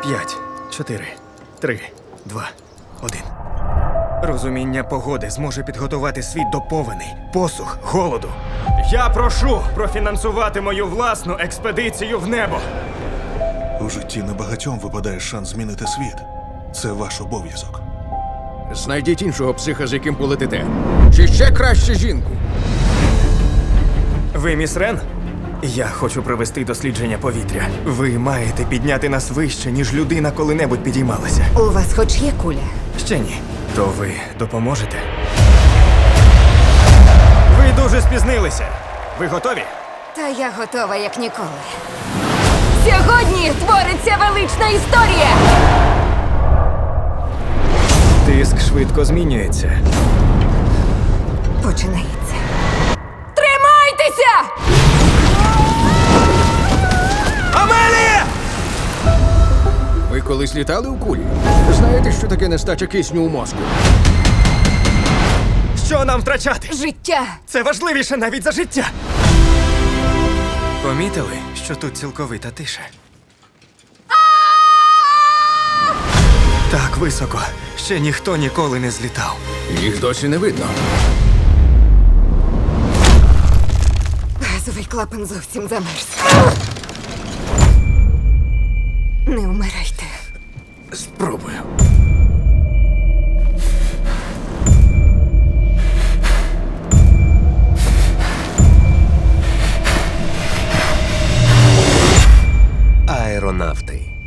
5, 4, 3, 2, 1. Розуміння погоди зможе підготувати світ до повені, посух, голоду. Я прошу профінансувати мою власну експедицію в небо. У житті небагатьом випадає шанс змінити світ. Це ваш обов'язок. Знайдіть іншого психа, з яким полетите. Чи ще краще жінку. Ви міс Рен? Я хочу провести дослідження повітря. Ви маєте підняти нас вище, ніж людина коли-небудь підіймалася. У вас хоч є куля? Ще ні. То ви допоможете? Ви дуже спізнилися. Ви готові? Та я готова, як ніколи. Сьогодні твориться велична історія! Тиск швидко змінюється. Починається. Тримайтеся! Амелія! Ви колись літали у кулі? Знаєте, що таке нестача кисню у мозку? Що нам втрачати? Життя! Це важливіше навіть за життя. Помітили, що тут цілковита тиша? Так високо. Ще ніхто ніколи не злітав. Їх досі не видно. Газовий клапан зовсім замерз. Не вмирайте. Спробую. Аеронавти.